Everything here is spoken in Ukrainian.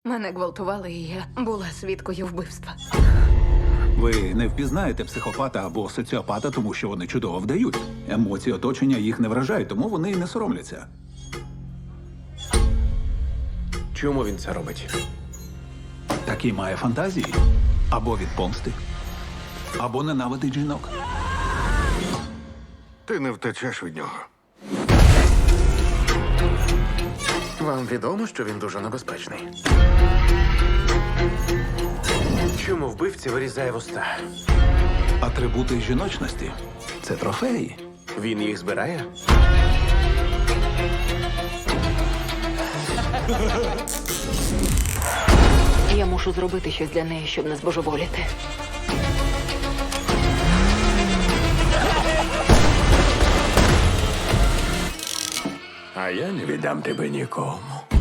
Мене гвалтували, і я була свідкою вбивства. Ви не впізнаєте психопата або соціопата, тому що вони чудово вдають. Емоції оточення їх не вражають, тому вони і не соромляться. Чому він це робить? Такі має фантазії. Або від помсти, або ненавидить жінок. Ти не втечеш від нього. Вам відомо, що він дуже небезпечний. Чому вбивці вирізає вуста? Атрибути жіночності – це трофеї. Він їх збирає? Я мушу зробити щось для неї, щоб не збожеволіти. А я не віддам тебе нікому.